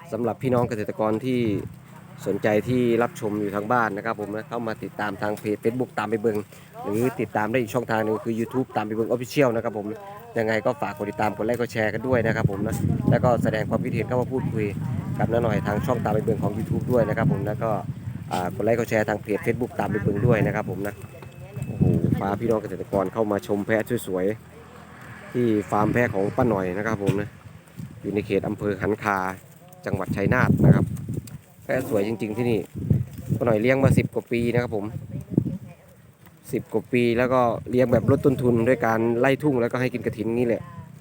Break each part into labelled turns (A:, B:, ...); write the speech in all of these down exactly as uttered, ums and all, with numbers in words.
A: สำหรับพี่น้องเกษตรกรที่สนใจที่รับชมอยู่ทางบ้านนะครับผมนะเข้ามาติดตามทางเพจ Facebook ตามไปเบิงหรือติดตามได้อีกช่องทางหนึงคือ YouTube ตามไปเบิง Official นะครับผมยังไงก็ฝากกดติดตามกดไลค์กดแชร์กันด้วยนะครับผมนะแล้วก็แสดงความคิดเห็นเข้ามาพูดคุยกับน้าหน่อยทางช่องตามไปเบิงของ YouTube ด้วยนะครับผมแล้วก็อ่ากดไลค์กดแชร์ทางเพจ Facebook ตามไปเบิงด้วยนะครับผมนะโอ้โหพาพี่น้องเกษตรกรเข้ามาชมแพะสวยๆที่ฟาร์มแพะของป้าหน่อยนะครับผมนะอยู่ในเขตอำเภอหันคาจังหวัดชัยนาทนะครับแพะสวยจริงๆที่นี่ป้าหน่อยเลี้ยงมาสิบกว่าปีนะครับผมสิบกว่าปีแล้วก็เลี้ยงแบบลดต้นทุนด้วยการไล่ทุ่งแล้วก็ให้กินกระถินนี่แหละ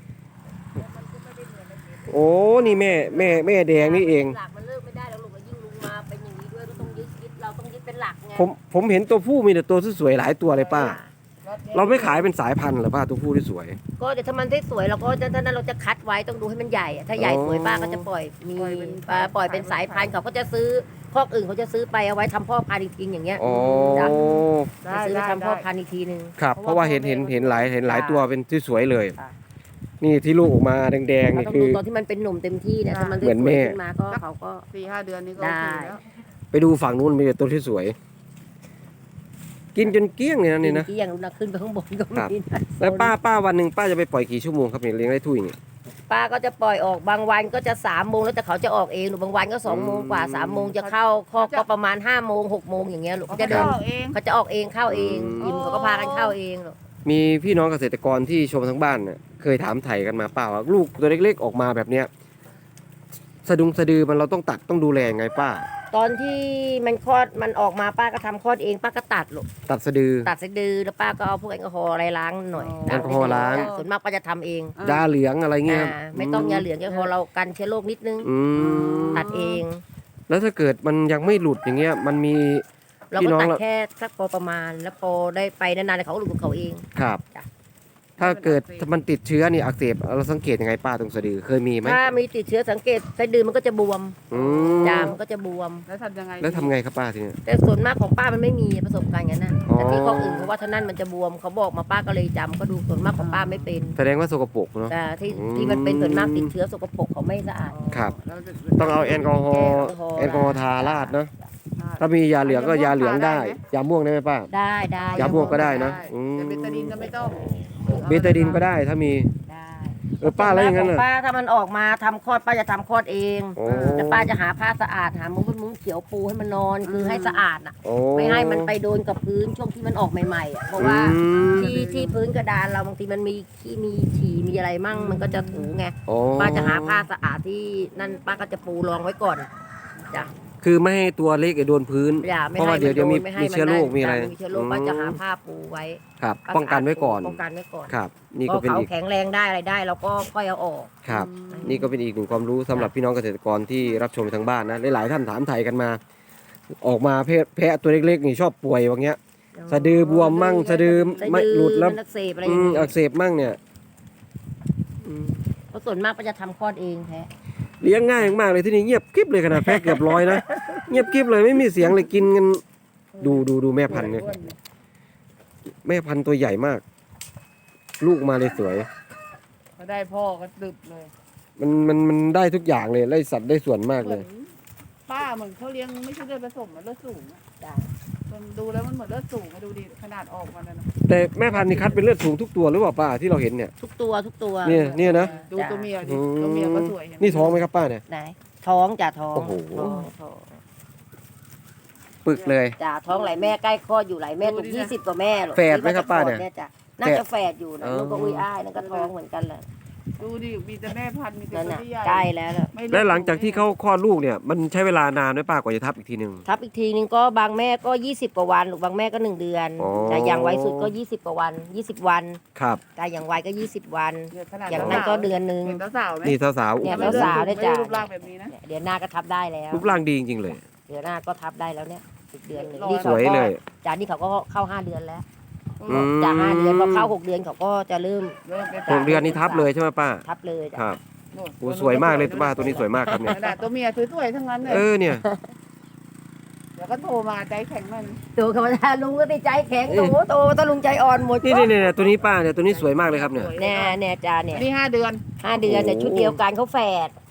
A: โอ้นี่แม่แม่แม่แดงนี่เอง
B: หลักมันเลิกไม่ได้แล้วลูกก็ยิ่งลุงมาเป็นอย่างนี้ด้วยก็ต้องยึดยึดเราต้องยึดเป็นหลักไง
A: ผมผมเห็นตัวผู้มีแต่ตัวสวยๆหลายตัวเลยป้า เราไม่ขายเป็นสายพันธุ์เหรอป้าตัวผู้ที่สวย
B: ก็เดี๋ยวถ้ามันได้สวยเราก็จะถ้านั้นเราจะคัดไว้ต้องดูให้มันใหญ่อะถ้าใหญ่สวยป้าก็จะปล่อยมีปล่อยปล่อยเป็นสายพันธุ์เขาก็จะซื้อคอกอื่นเขาจะซื้อไปเอาไว้ทำพ่อพันธุ์อีกทีอย่างเงี้ย
A: อ๋อ
B: จ้ะ
C: ได้
B: จะซื้อไป
C: ได้
B: ทำพ่อ
C: ได้
B: พันธุ์อีกทีหนึ่ง
A: ครับเพราะว่าเห็นเห็นเห็นหลายเห็นหลายตัวเป็นที่สวยเลย
B: ค่ะ
A: นี่ที่ลูกออกมาแดงๆ
B: เรา
A: นี่
B: ต้อง
A: คื
B: ดู
A: อ
B: ตอนที่มันเป็นหนุ่มเต็มที่เนี่ยถ้ามันได้
A: เหมือน
B: ส
A: แม่
B: วยขึ้นมาก็เขาก็
C: สี่ห้าเดือนนี้ก็
B: ได้
C: โอเคแล้ว
A: ไปดูฝั่งนู้นมีแต่ตัวที่สวย กินจนเกลี้ยงเลยนะนี่นะ
B: ที่อย่างเราขึ้นไปข้างบนก็
A: ครับ
B: มีนะ
A: แล้วป้าป้าวันหนึ่งป้าจะไปปล่อยกี่ชั่วโมงครับเนี่ยเลี้ยงได้ทุ่ยเนี่ย
B: ป้าก็จะปล่อยออกบางวันก็จะสามโมงแล้วแต่เขาจะออกเองหรือบางวันก็สองโมงกว่าสามโมงจะเข้าคอกก็ประมาณห้าโมงหกโมงอย่างเงี้ยลูกเขาจะเดิน
C: ออกเอง
B: เขาจะออกเองเข้าเองยิมเขาก็พากันเข้าเองหรอก
A: มีพี่น้องเกษตรกรที่ชมทั้งบ้านเนี่ยเคยถามไถ่กันมาป้าว่าลูกตัวเล็กๆออกมาแบบเนี้ยสะดุงสะดือมันเราต้องตัดต้องดูแลยังไงป้า
B: ตอนที่มันคลอดมันออกมาป้าก็ทำคลอดเองป้าก็ตัดลูก
A: ตัดสะดือ
B: ตัดสะดือแล้วป้าก็เอาพวกแอลกอฮอล์อะไรล้างหน่อย
A: แอลกอฮอล์ล้าง
B: ส่วนมากป้าจะทำเอง
A: ยาเหลืองอะไรเงี้ย
B: อ่าไม่ต้องยาเหลืองแอลกอฮอล์เรากันเชื้อโรคนิดนึง
A: อืม
B: ตัดเอง
A: แล้วถ้าเกิดมันยังไม่หลุดอย่างเงี้ยมันมี
B: เรา
A: พี่
B: ก็
A: น้อง
B: ตัด
A: เรา
B: แค่สักพอประมาณ แล้วพอได้ไปนานๆเขาก็หลุดของเขาเอง
A: ครับ
B: จ้ะ
A: ถ้าเกิดถ้ามันติดเชื้อนี่อักเสบเราสังเกตยังไงป้าตรงสะดือเคยมีไหม
B: ถ้ามีติดเชื้อสังเกตสะดือมันก็จะบวม
A: อืม
B: จามมันก็จะบวม
C: แล้วทำยังไง
A: แล้วทำไงครับป้าทีเนี้ย
B: แต่ส่วนมากของป้ามันไม่มีประสบการณ์อย่างนั้นนะ
A: อ๋อ
B: แต่ที่ของอื่นเขาว่าท่านั้นมันจะบวมเขาบอกมาป้าก็เลยจำก็ดูส่วนมากของป้าไม่เป็น
A: แสดงว่าสกปรกเนาะ
B: แต่ที่
A: อืม
B: ที่มันเป็นส่วนมากติดเชื้อสกปรกเขาไม่สะอาด
A: ครับ
C: แล้วจะ
A: ต้องเอาแอลกอฮอล์
B: แอ
A: แอ
B: ล
A: ล
B: ก
A: ก
B: อ
A: อ
B: ฮ
A: ฮ
B: อ
A: อ
B: ล์
A: ล์ทาราดเนาะถ้ามียาเหลืองก็ยาเหลืองได้ยาม่วงได้ไหมป้า
B: ได้ได้
A: ยาม่วงก็ได้นะอืม
C: แต่เบตาดินก็ไม่ต้อง
A: เบตาดินก็ได้ถ้ามี
B: ได้
A: เออป้าแล้วอย่างนั้น
B: ข
A: น่ะ
B: ป้าถ้ามันออกมาทำคลอดป้าจะทำคลอดเอง
A: โอ้
B: แล้วป้าจะหาผ้าสะอาดหามุ้งมุ้งเขียวปูให้มันนอนคือให้สะอาดอ่ะ
A: โอ้
B: ไม่ให้มันไปโดนกับพื้นช่วงที่มันออกใหม่ๆอ่ะเพราะว่า
A: อืม
B: ที่ที่พื้นกระดานเราบางทีมันมีขี้มีฉี่มีอะไรมั่งมันก็จะถูไง
A: โอ้
B: ป้าจะหาผ้าสะอาดที่นั่นป้าก็จะปูรองไว้ก่อนจ้ะ
A: คือไม่ให้ตัวเล็กไอ้โดนพื้น
B: อย่าไม่
A: เพราะ
B: ให้
A: ว่าเดี๋ยวเดี๋ยวมี
B: ไให้
A: มีเชื้อโรคมีอะไร
B: มีเชื้อโรคป้าจะหาผ้าปูไว้
A: ครับ ป้องกันไว้ก่อน
B: ป้องกันไว้ก่อน
A: ครับ นี่
B: พ
A: ก็
B: อ
A: เป็น
B: เขา
A: อีก
B: แข็งแรงได้อะไรได้เราก็ค่อยเอาออก
A: ครับ นี่ก็เป็นอีกหนึ่งความรู้สำหรับพี่น้องเกษตรกรที่รับชมทางบ้านนะหลายๆท่านถามไทยกันมา ออกมาแพะแพะตัวเล็กๆนี่ชอบป่วยอย่างเงี้ย สะดือบวมมั่งสะดือไม่หลุดแล้ว
B: มันอักเสบอะไรอ
A: อื
B: ย่าง
A: ม
B: เงี้ย
A: อักเสบมั่งเนี่ยอืม
B: เพราะส่วนมากป้าจะทำคลอดเองแท้
A: เลี้ยงง่ายมากเลยที่นี่เงียบกริบเลยขนาดแพะเกือบร้อยนะเงียบกริบเลยไม่มีเสียงเลยกินกันดูดูดูแม่พันธุ์เนี่ยแม่พันธุ์ตัวใหญ่มาก ลูกมาเลยสวย
C: พอได้พ่อก็ดึบเลย
A: มันมันมันได้ทุกอย่างเลยไล่สัตว์ได้ส่วนมาก
C: เห
A: เล
C: มือย นป้าเหมือนเขาเลี้ยงไม่ใช่เลือดผสมมันเลือดสูงอะ
B: จ้ะ
C: มันดูแล้วมันเหมือนเลือดสูงมาดูดิขนาดออกมาแล้วนะ
A: แต่แม่พันธุ์นี่คัดเป็นเลือดสูงทุกตัวหรือเปล่าป้าที่เราเห็นเนี่ย
B: ทุกตัวทุกตัว
A: เนี่ยเนี่ยนะ
C: ดูตัวเมียดิ
A: อืม
C: ตัวเมียก็สวยเห็ไหม
A: นี่ท้องไหมครับป้าเนี่ย
B: ไหนท้องจ้ะท้อง
A: โอ้โห
B: ท้องท้อง
A: ปึกเลย
B: จ้ะท้องไหลแม่ใกล้คลอดอยู่ไหลแม่ตรงยี่สิบกว่าแม่หรอก
A: แฝดไหมครับป้าเนี่ย
B: จ้ะน่าจะแฝดอยู่นะ
A: อ๋อ
B: ลูกก็อุ้ยอ้ายนั่นก็ท้องเหมือนกันแหละ
C: ดูดิมีแต่แม่พันธุ์มีแต่
B: นั่น
C: ตัว
B: น่ะ
C: ที่ใหญ่
B: ใกล้แล้วล่ะ
C: ไม่
A: และหลังจากที่เขาคลอดลูกเนี่ยมันใช้เวลานานไหมป้ากว่าจะทับอีกทีหนึ่ง
B: ทับอีกทีนึงก็บางแม่ก็ยี่สิบกว่าวันหรือบางแม่ก็หนึ่งเดือน
A: อ๋อ
B: แต่อย่างไวสุดก็ยี่สิบกว่าวันยี่สิบวัน
A: ครับ
B: แต่อย่างไวก็ยี่สิบวัน
C: เนี่ยขนาด
B: อย่างนั้นก็เดือนหนึง
C: เห็นสาวๆไหม
A: นี่สาวๆ
B: เนี่ย
A: โอ้โห
B: สาวๆ ได้จ้ะ
C: ไม่รูปร่างแบบนี้นะ
B: เดือนหน้าก็ทับได้แล้ว
A: รูปร่างดีจริงๆเลย
B: เดือนหน้าก็ทับได้แล้วเนี่ยอีกเดือนหนึง
C: ส
B: นี่
A: ส
B: เขา
A: วย
B: ก็
A: เลย
B: จากนี่เขาก็เข้าห้าเดือนแล้ว
A: อืม
B: จากห้าเดือนพอเข้าหกเดือนเขาก็จะเริ่ม
C: เริ่มเป็น
A: หกเดือนนี้ทับเลยใช่ไหมป้า
B: ทับเลยจ้ะ
A: ครับ
C: โน่น
A: โอ้สวยมากเลยป้าตัวนี้สวยมากครับเนี่ย
C: ขนาดตัวเมียสวยๆทั้งนั้นเลย
A: เออเนี่ย
C: เดี๋ยวก็โทรมาใจแข็งมัน
B: ตัวธรรมดาลุงก็ติดใจแข็งโตโตตะลุงใจอ่อนหมด
A: นี่นี่นี่ตัวนี้ป้าเนี่ยตัวนี้สวยมากเลยครับเนี่ย
B: แน่แน่จ้าเนี่ย
C: นี่ห้าเดือน
B: ห้าเดือนเนี่ย
A: โอ้
B: ชุดเดียวกันเขาแฝด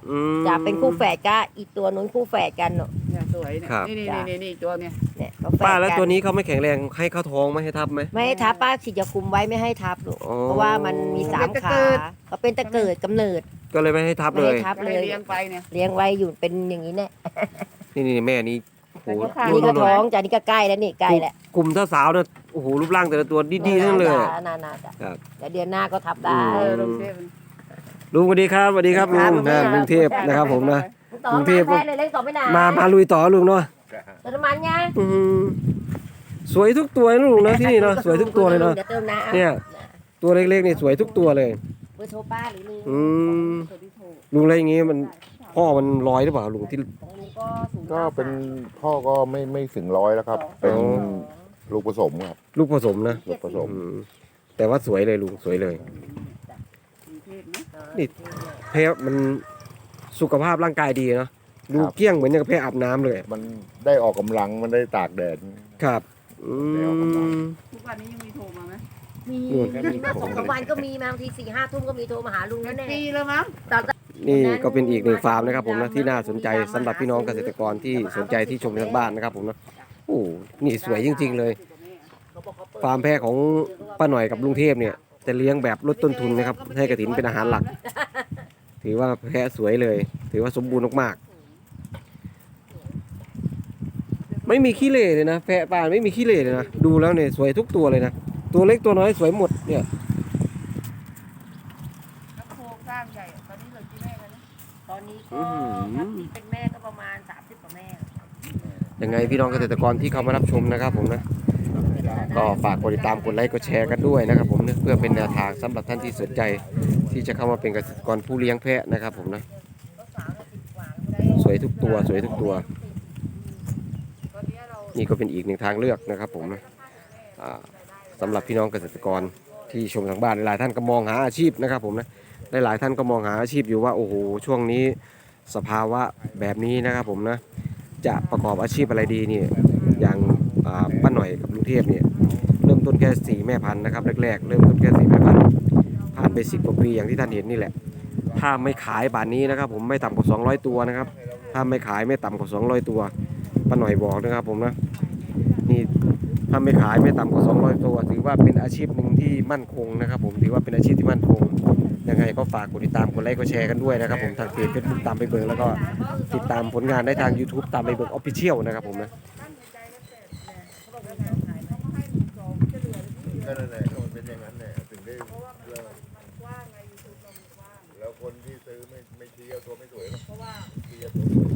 A: อืม
B: จะเป็นคู่แฝดก็อีกตัวนู้นคู่แฝดกันเนาะ
C: เนี่ยสวยเนี่ย
A: ครับ
C: นี่นี่นี่นี่ตัวเนี่ย
B: เนี่ยเขาแฝด
A: ป้าแล้ว
B: กัน
A: ตัวนี้เขาไม่แข็งแรงให้เข้าท้องไหมให้ทับไหม
B: ไม่ให้ทับป้าฉีดยาคุมไว้ไม่ให้ทับลูก
A: อ๋อ
B: เพราะว่ามันมีสามขาเขาเป็นตะเกิดกำเนิด
A: ก็เลยไม่ให้ทับ
B: ไม่
A: เลย
B: ให้ทับ
C: จะ
B: เล
C: ให้
B: ย
C: เลี้ยงไปเนี่ย
B: เลี้ยงไว้อยู่เป็นอย่างนี้เนี่ย
A: นี่นี่แม่นี้โอ้โห
C: แต่
B: นี่ก็
C: ดู
B: ท้องจ้ะนี่ก็ใกล้แล้วนี่ใกล้แล้ว
A: กลุ่มถ้าสาวเนี่ยโอ้โหรูปร่างแต่ละตัวดีๆทั้งนั้นเลย
B: นานๆจ้ะ
A: ครับ
B: แต่เดือนหน้าก็ทับได้
C: เออลงเทพ
A: ลุงสวัสดีครับสวัสดีครับลุ
B: ครั
A: ง
B: บ
A: นะลุงเทพนะครับผมนะ
B: ต่อก
A: รุงเทพ
B: แพ้เลยเล็กต่อไม่นาน
A: มามาลุยต่อลุงเนาะ
B: เติมน้ำมันไง
A: อืมสวยทุกตัวนะลุงนะที่นี่เนาะสวยทุกตัวเลยเนาะ
B: ดี๋วเติมน้ำ
A: เนี่ย ตัวเล็กๆนี่สวยทุกตัวเลย
B: เบอร์โทรป้าหรือลุง
A: อืมลุงอะไรอย่างงี้มันพ่อมันลอยหรือเปล่าลุงที่
B: ของลุงก็สูง
D: ก็เป็นพ่อก็ไม่ไม่ถึงร้อยแล้วครับ เป็นลูกผสมครับ
A: ลูกผสมนะ
D: ลูกผสม
A: อืมแต่ว่าสวยเลยลุงสวยเลย นี่ แพ้มันสุขภาพร่างกายดีเนาะดูเกลี้ยงเหมือนอย่างกับแพ้อาบน้ำเลย
D: มันได้ออกกำลังมันได้ตากแดด
A: ครับอืม
C: ทุกวันนี้ยังมีโทรมาไหม
B: มี
A: นู่น
B: มีเมื่อสองสามวันก็มีมาบางทีสี่ห้าทุ่มก็มีโทรมาหาลุง
C: เป็
B: นั่
C: น
B: นแน่
C: ปีแล้วมั้ง
A: นี่ก็เป็นอีกหนึ่งฟาร์มนะครับผมนะที่น่าสนใจสำหรับพี่น้องเกษตรกรที่สนใจที่ชมทางบ้านนะครับผมนะโอ้นี่สวยจริง ๆ เลย ฟาร์มแพะของป้าหน่อยกับลุงเทพเนี่ยจะเลี้ยงแบบลดต้นทุนนะครับให้กระถินเป็นอาหารหลัก ถือว่าแพะสวยเลย ถือว่าสมบูรณ์มากๆไม่มีขี้เหร่เลยนะแพะป้าไม่มีขี้เหร่เลยนะดูแล้วเนี่ยสวยทุกตัวเลยนะตัวเล็กตัวน้อยสวยหมดเนี่ย
C: แล้วโครงสร้างใหญ่ตอนนี้เหลือกี่แม่กันนะ
B: ตอนนี้ก็ถ้าที่เป็นแม่ก็ประมาณสามสิบกว่าแม่
A: ยังไงพี่น้องเกษตรกรที่เข้ามารับชมนะครับผมนะก็ฝากกดติดตามกดไลค์กดแชร์กันด้วยนะครับผมนะเพื่อเป็นแนวทางสำหรับท่านที่สนใจ ที่จะเข้ามาเป็นเกษตรกรผู้เลี้ยงแพะนะครับผมนะสวยทุกตัวสวยทุกตัว
C: ตอนนี้เรา
A: นี่ก็เป็นอีกหนึ่งทางเลือกนะครับผมนะอ่าสำหรับพี่น้องเกษตรกรที่ชมทางบ้านหลายๆท่านก็มองหาอาชีพนะครับผมนะหลายๆท่านก็มองหาอาชีพอยู่ว่าโอ้โหช่วงนี้สภาวะแบบนี้นะครับผมนะจะประกอบอาชีพอะไรดีนี่อย่างอ่าป้าหน่อยกับลุงเทพเนี่ยเริ่มต้นแค่สี่แม่พันธุ์นะครับแรกๆเริ่มต้นแค่สี่แม่พันธุ์ผ่านไปสิบกว่าปีอย่างที่ท่านเห็นนี่แหละถ้าไม่ขายบานนี้นะครับผมไม่ต่ำกว่าสองร้อยตัวนะครับถ้าไม่ขายไม่ต่ำกว่าสองร้อยตัวป้าหน่อยบอกนะครับผมนะนี่ถ้าไม่ขายไม่ต่ำกว่าสองร้อยตัวถือว่าเป็นอาชีพหนึ่งที่มั่นคงนะครับผมถือว่าเป็นอาชีพที่มั่นคงยังไงก็ฝากกดติดตามกดไลค์กดแชร์กันด้วยนะครับผมทางเพจเฟซบุ๊กตามไปเบิงแล้วก็ติดตามผลงานได้ทาง YouTube ตามไปเบิงออฟฟิเชียลนะครับผมนะ
D: ก็นั่นแหละก็มันเป็นอย่างนั้นแหละถึงได้เลิกแล้วคนที่ซื้อไม่ไม่ชี้เอาตัวไม่สวยหรอกเพราะว่าชี้เอาตัว